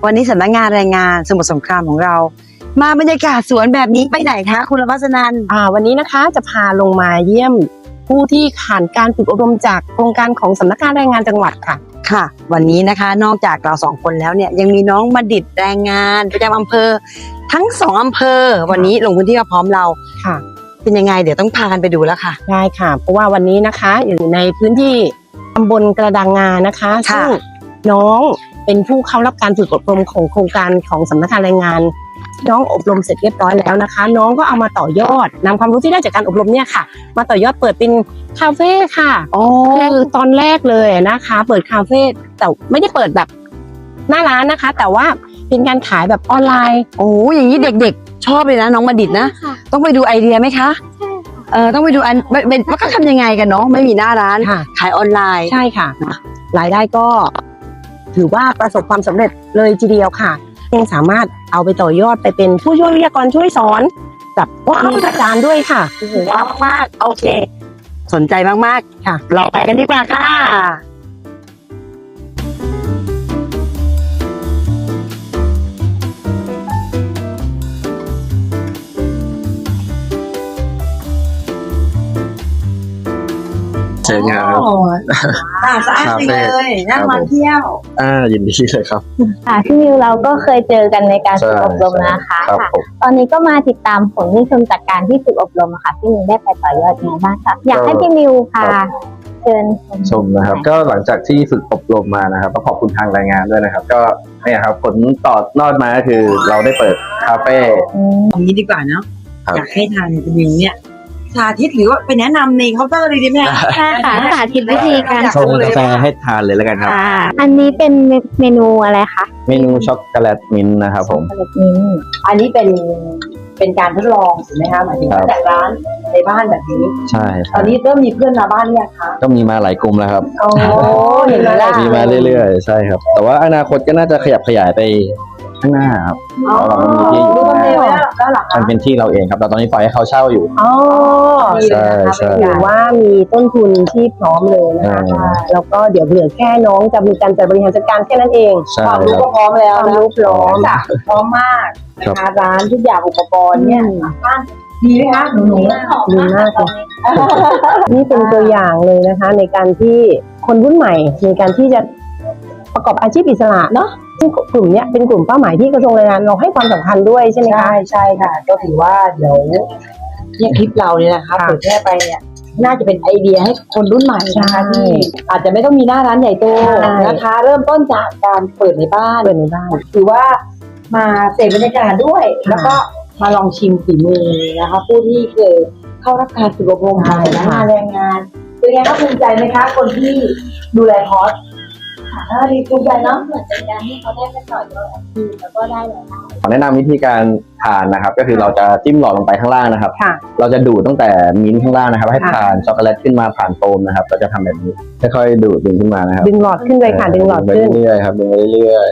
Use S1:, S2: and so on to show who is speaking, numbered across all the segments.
S1: วันนี้สำนักงานแรงงานสมุทรสงครามของเรา มาบรรยากาศสวนแบบนี้ไปไหนคะคุณรพัสนันท์
S2: วันนี้นะคะจะพาลงมาเยี่ยมผู้ที่ผ่านการฝึกอบรมจากโครงการของสำนักงานแรงงานจังหวัดค่ะ
S1: ค่ะ วันนี้นะคะนอกจากเรา2คนแล้วเนี่ยยังมีน้องบัณฑิตแรงงานประจำอำเภอทั้ง2อำเภอวันนี้ลงพื้นที่มาพร้อมเรา
S2: ค่ะ
S1: เป็นยังไงเดี๋ยวต้องพากันไปดูแล้วค่ะ
S2: ได้ค่ะ เพราะว่าวันนี้นะคะอยู่ในพื้นที่ตำบลกระดังงานะคะ
S1: ค่ะ
S2: ซึ่งน้องเป็นผู้เข้ารับการฝึกอบรมของโครงการของสำนักงานแรงงานน้องอบรมเสร็จเรียบร้อยแล้วนะคะ น้องก็เอามาต่อยอดนำความรู้ที่ได้จากการอบรมเนี่ยค่ะ มาต่อยอดเปิดเป็นคาเฟ่ค่ะ
S1: อ๋อ
S2: คือตอนแรกเลยนะคะ เปิดคาเฟ่แต่ไม่ได้เปิดแบบหน้าร้านนะคะ แต่ว่าเป็นการขายแบบออนไลน์
S1: โอ้อย่างนี้เด็กๆ ชอบเลยนะน้องบัณฑิตนะ
S3: ค่ะ
S1: ต้องไปดูไอเดียไหมคะ
S3: ใช่ค่ะ
S1: ต้องไปดูเป็นว่าเขาทำยังไงกันเนาะไม่มีหน้าร้าน
S2: ค่ะ
S1: ขายออนไลน์
S2: ใช่ค่ะ รายได้ก็ถือว่าประสบความสำเร็จเลยทีเดียวค่ะยังสามารถเอาไปต่อยอดไปเป็นผู้ช่วยวิทยากรช่วยสอนกับผู้อาจารย์ด้วยค่ะ
S1: โอ้โหว้าวมากโอเค สนใจมากๆค่ะ เราไปกันดีกว่าค่ะ
S4: เชิญครับ
S1: สะอาดจริงเลยน่ามาเที่ยว
S4: ยินดีเลยครับ
S3: ค่ะพี่มิวเราก็เคยเจอกันในการฝึกอบรมนะคะ
S4: ครับ
S3: ค่ะ
S4: ผม
S3: ตอนนี้ก็มาติดตามผลที่ชมจากการที่ฝึกอบรมอะค่ะพี่มิวได้ไปต่อยอดยังไงบ้างคะอยากให้พี่มิวพาเชิญ
S4: ชมนะครับ ก็หลังจากที่ฝึกอบรมมานะครับก็ขอบคุณทางรายงานด้วยนะครับ ก็เนี่ยครับผลต่อนอดมาก็คือเราได้เปิดคาเฟ่
S1: ตรงนี้ดีกว่าเนาะ
S4: ครับ
S1: อยากให้ทานจะมีเนี่ยสาธิตหรือว่าไปแนะนำในเคาน์เตอร์เลยดีไหมคะ
S3: ใช่ค่ะสาธิตวิธีการ
S4: ชงกาแฟให้ทานเลยแล้วกันครับ
S3: ค่ะ อันนี้เป็นเมนูอะไรคะ
S4: เมนูช็อกโกแลตมิ้นท์นะครับผม
S3: แบบนี้
S1: อันนี้เป็นการทดลองถูกไหมคะหมายถึง
S4: ครับ
S1: จากร้านในบ้านแบบนี้
S4: ใช่ค
S1: ต
S4: รั
S1: อบ นนี้เริ่มมีเพื่อนมาบ้านหรือยังคะ
S4: ก็มีมาหลายกลุ่มแล้วครับ
S1: โอ้เห็นไหมล่ะ
S4: มีมาเรื่อยๆ ใช่ครับ แต่ว่าอนาคตก็น่าจะขยับขยายไปข้างหน้าครับ
S1: อ๋อ
S4: เราไม่มีที่อยู่
S1: ดูตรงนี้ไว้แล้วเหรอ
S4: มัน
S1: คะ
S4: เป็นที่เราเองครับแต่ตอนนี้ปล่อยให้เขาเช่าอยู่
S2: อ๋อ
S4: ใช่ใช่
S2: ถือว่ามีต้นทุนที่พร้อมเลยนะคะ แล้วก็เดี๋ยวเหลือแค่น้องจะมีการจัดบริหารจัดการแค่นั้นเอง
S4: ใช่
S1: ความ
S4: ค
S1: รู้
S4: รับ
S1: ก็พร้อมแล้ว
S2: ความ
S1: นะ
S2: รู้พร้อม
S1: จ้ะพร้อมมากนะคะร้านทุกอย่างอุปกรณ์เนี่ยบ้านดีไหมคะหนู
S2: ดีมากเลยนี่เป็นตัวอย่างเลยนะคะ ในการที่คนรุ่นใหม่ในการที่จะประกอบอาชีพอิสระเนาะซึ่งกลุ่มเนี้ยเป็นกลุ่มเป้าหมายที่กระทรวงแรงงานเราให้ความสำคัญด้วยใช่ไหมคะ
S1: ใช่ค่ะ ก็ถือว่าเดี๋ยวเนี่ยคลิปเราเนี่ยนะคะ
S2: ค่ะ
S1: เผยแพร่ไปเนี่ยน่าจะเป็นไอเดียให้คนรุ่นใหม่นะคะ
S2: ใช่
S1: ที่อาจจะไม่ต้องมีหน้าร้านใหญ่โต
S2: ใช่
S1: นะคะ เริ่มต้นจากการเปิดในบ้าน
S2: เปิดในบ้าน
S1: ถือว่ามาเสพบรรยากาศด้วย แล้วก็มาลองชิมฝีมือนะคะ ผู้ที่เคยเข้ารับการฝึกอบรมของสำนักงานแรงงานเป็นไงคะภูมิใจไหมคะ คนที่ดูแลคอร์สดีภูมิใจเนาะ
S3: เหมือนเป็นการที่เขาได้ไปต่อยอดอาชีพแล้วก็ได้รายได้
S4: ขอแนะนำวิธีการทานนะครับ ก็คือเราจะจิ้มหลอดลงไปข้างล่างนะครับ
S2: ค่ะ
S4: เราจะดูดตั้งแต่มิ้นท์ข้างล่างนะครับ ให้ผ่านช็อกโกแลตขึ้นมาผ่านโฟมนะครับเราจะทำแบบนี้ค่อยๆดูดดึงขึ้นมานะครับ
S2: ดึงหลอดขึ้นเลยค่ะ ดึงหลอด
S4: ไป
S2: ขึ้น
S4: เรื่อยๆครับดึงไปเรื่อย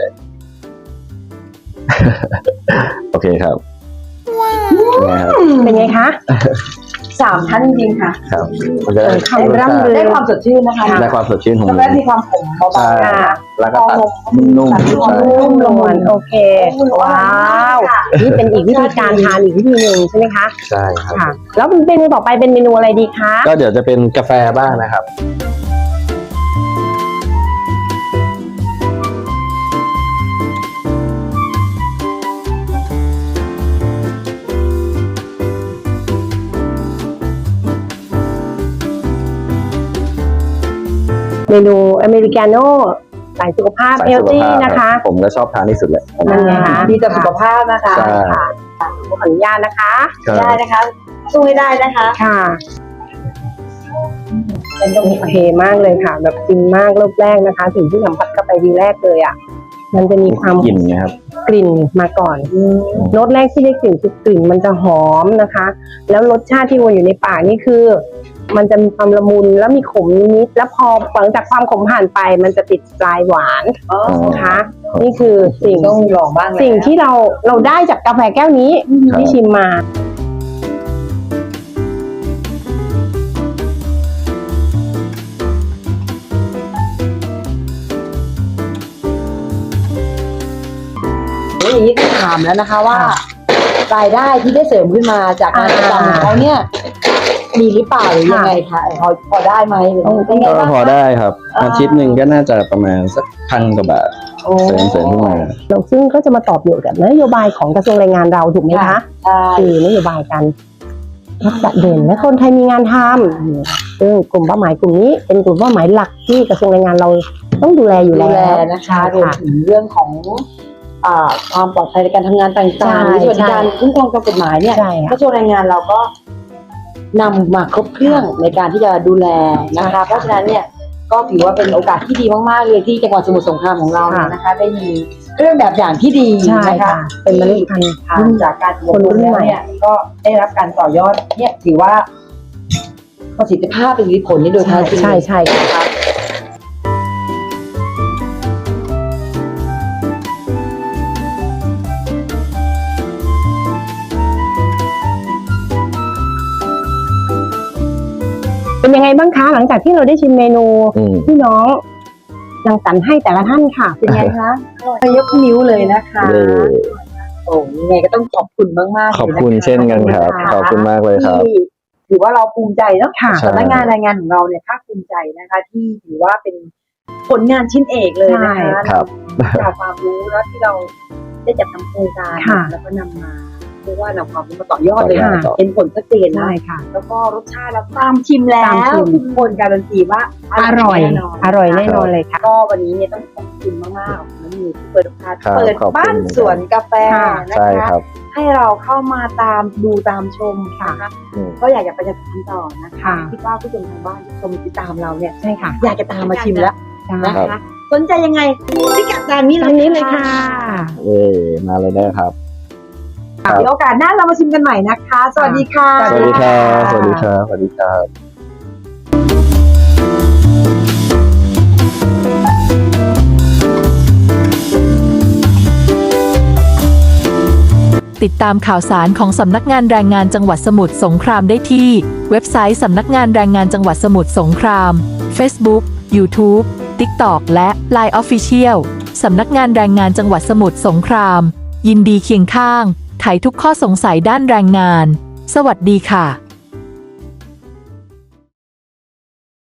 S4: ๆ โอเคครับเป็นไงครับ
S2: เป็นไงคะ
S1: 3 ท่านจริงๆค่ะ
S4: ครับมันจะได้
S2: คำร่ำลือ
S1: ได้ความสดชื่นนะคะ
S4: ได้ความสดชื่นของ
S1: แล้ว
S4: มิ้
S1: ก็
S4: น
S1: มี
S4: ท์
S1: ความขมเบา
S4: ใช่
S1: ๆนะคะ
S4: แล้วก็ตัดนุ่มๆใช่
S2: นุ่มละมุนโอเค ว้าว นี่เป็นอีกวิธีการทานอีกวิธีหนึ่งใช่ไหมคะ
S4: ใช่ครับ
S2: ค่ะ แล้วเมนูต่อไปเป็นเมนูอะไรดีคะ
S4: ก็เดี๋ยวจะเป็นกาแฟบ้างนะครับ
S2: เมนูอเมริกาโน่สายสุขภาพ
S4: สาย
S2: เฮล
S4: สุข
S2: ตี้
S4: ภาพ
S2: นะคะ
S4: ผมก็ชอบทานที่สุดเลย
S2: นั่นไงคะ
S1: ดีต่อสุขภาพนะคะ
S4: ใช่
S2: ค่ะขออนุญาตนะคะ
S4: ครับ
S1: ได้นะคะสู้ให้ได้นะคะ
S2: ค่ะ
S1: เป็นตรง
S2: โอ
S1: นี้
S2: เคมากเลยค่ะ แบบฟินมากรอบแรกนะคะ สิ่งที่สัมผัสเข้าไปทีแรกเลยอ่ะ มันจะมีความ
S4: กลิ่นไงครับ
S2: กลิ่นมาก่อนรสแรกที่ได้กลิ่นคือกลิ่นมันจะหอมนะคะ แล้วรสชาติที่วนอยู่ในปากนี่คือ มันจะมีความละมุนแล้วมีขมนิดๆแล้วพอหลังจากความขมผ่านไป มันจะติดปลายหวานนะคะ นี่คือสิ่ง
S1: ต้องลองบ้างแล้ว
S2: สิ่งที่เราได้จากกาแฟแก้วนี้ที่ชิมมา
S4: อ
S1: อย่างนี้ต้องถามแล้วนะคะว่า รายได้ที่ได้เสริมขึ้นมาจากงานประจำของเขาเนี่ยมีหรือเปล่าหรือยังไงคะพอได้ไหมหรือเป็นไง
S4: ก็
S1: บ้าง
S4: พอได้ครับ อาทิตย์หนึ่งก็น่าจะประมาณสัก1,000 กว่าบาท
S1: โอ้
S4: เสริมขึ้นมา
S2: ซึ่งก็จะมาตอบโจทย์กับนโยบายของกระทรวงแรงงานเราถูกไหมคะ
S1: ใช่
S2: คือนโยบายการรักษาเด่นและคนไทยมีงานทำซึ่งกลุ่มเป้าหมายกลุ่มนี้เป็นกลุ่มเป้าหมายหลักที่กระทรวงแรงงานเราต้องดูแลอยู่
S1: ดู
S2: แล้ว
S1: แลนะคะ
S2: ใช่
S1: รวมถึงเรื่องของความปลอดภัยในการทำงานต่างๆหรือสวัสดิการคุ้มครองตามกฎหมายเนี่ย
S2: ใช่ค่ะ
S1: กระทรวงแรงงานเราก็นำมาครบเครื่องในการที่จะดูแลนะคะ เพราะฉะนั้นเนี่ยก็ถือว่าเป็นโอกาสที่ดีมากๆเลยที่จังหวัดสมุทรสงครามของเราเนี่ยนะคะ ได้มีเครื่องแบบอย่างที่ดี
S2: ใช่
S1: นะคะ
S2: ค่ะเป็นเมล็ดพันธุ์
S1: ทางจากการอบรมแล้วเนี่ยก็ได้รับการต่อยอดเนี่ยถือว่าประสิทธิภาพเป็นผลนี่โดยแท้จริง
S2: ใช่ใช่
S1: นะคะ
S2: เป็นยังไงบ้างคะหลังจากที่เราได้ชิมเมนู
S4: อืม
S2: ที่น้องรังสรรค์ให้แต่ละท่านค่ะ
S1: เป็นไงคะยกนิ้วเลยนะคะ
S4: เย้
S1: โอ้ยังไงก็ต้องขอบคุณมากๆ
S4: ขอบ
S1: เลยนะคะ
S4: คุณเช่นกันครับ ขอบคุณมากเลยครับ
S1: ที่ถือว่าเราภูมิใจเนาะ
S2: ค่ะ
S1: สำนักงานแรงงานของเราเนี่ยภาคภูมิใจนะคะ ที่ถือว่าเป็นผลงานชิ้นเอกเลยนะคะ
S4: ครับ
S1: จากความรู้แล้วที่เราได้จัดทำโครงการ
S2: ค่ะ
S1: แล้วก็นำมาเรียกว่านำความรู้มาต่อยอดเลย
S2: ค่ะ
S1: เห็นผลชัดเจนนะ
S2: ใช่ค่ะ
S1: แล้วก็รสชาติแล้วตามชิมแล้
S2: ตามชิ
S1: ว
S2: ม
S1: ทุกคนการันตีว่า
S2: อร่อย
S1: แน่นอน
S2: อร่อยแน่นอนเลยค่ะ
S1: ก็วันนี้เนี่ยต้องขอบคุณมากๆน้องมิวที่เปิดโอกาส
S4: ครับ
S1: เปิด
S4: ขอบคุณ
S1: บ้านสวนกาแฟ
S2: ค่ะ
S1: นะ
S4: ใช่
S1: คะ
S4: ครับ
S1: ให้เราเข้ามาตามดูตามชมค่ะ
S4: อืม
S1: ก็อยากจะประชาสัมพันธ์ต่อนะคะ
S2: ค่ะ
S1: คิดว่าผู้ชมทางบ้านที่ชมติดตามเราเนี่ย
S2: ใช่ค่ะ
S1: อยากจะตามมาชิมแล้ว
S2: ใช่
S1: นะคะสนใจยังไงพิกัดจานนี้
S2: ตอนนี้เลยค่ะ
S4: เย้มาเลยได้ครับ ครับ
S1: เดี๋ยวโอกาสหน้าเรามาชิมกันใหม่นะคะ สวัสดีค่ะ
S4: สวัสดีครับ สวัสดีครับ สวัสดีครับ
S5: ติดตามข่าวสารของสำนักงานแรงงานจังหวัดสมุทรสงครามได้ที่เว็บไซต์สำนักงานแรงงานจังหวัดสมุทรสงคราม Facebook YouTube TikTok และ Line Official สำนักงานแรงงานจังหวัดสมุทรสงคราม ยินดีเคียงข้างไขทุกข้อสงสัยด้านแรงงาน สวัสดีค่ะ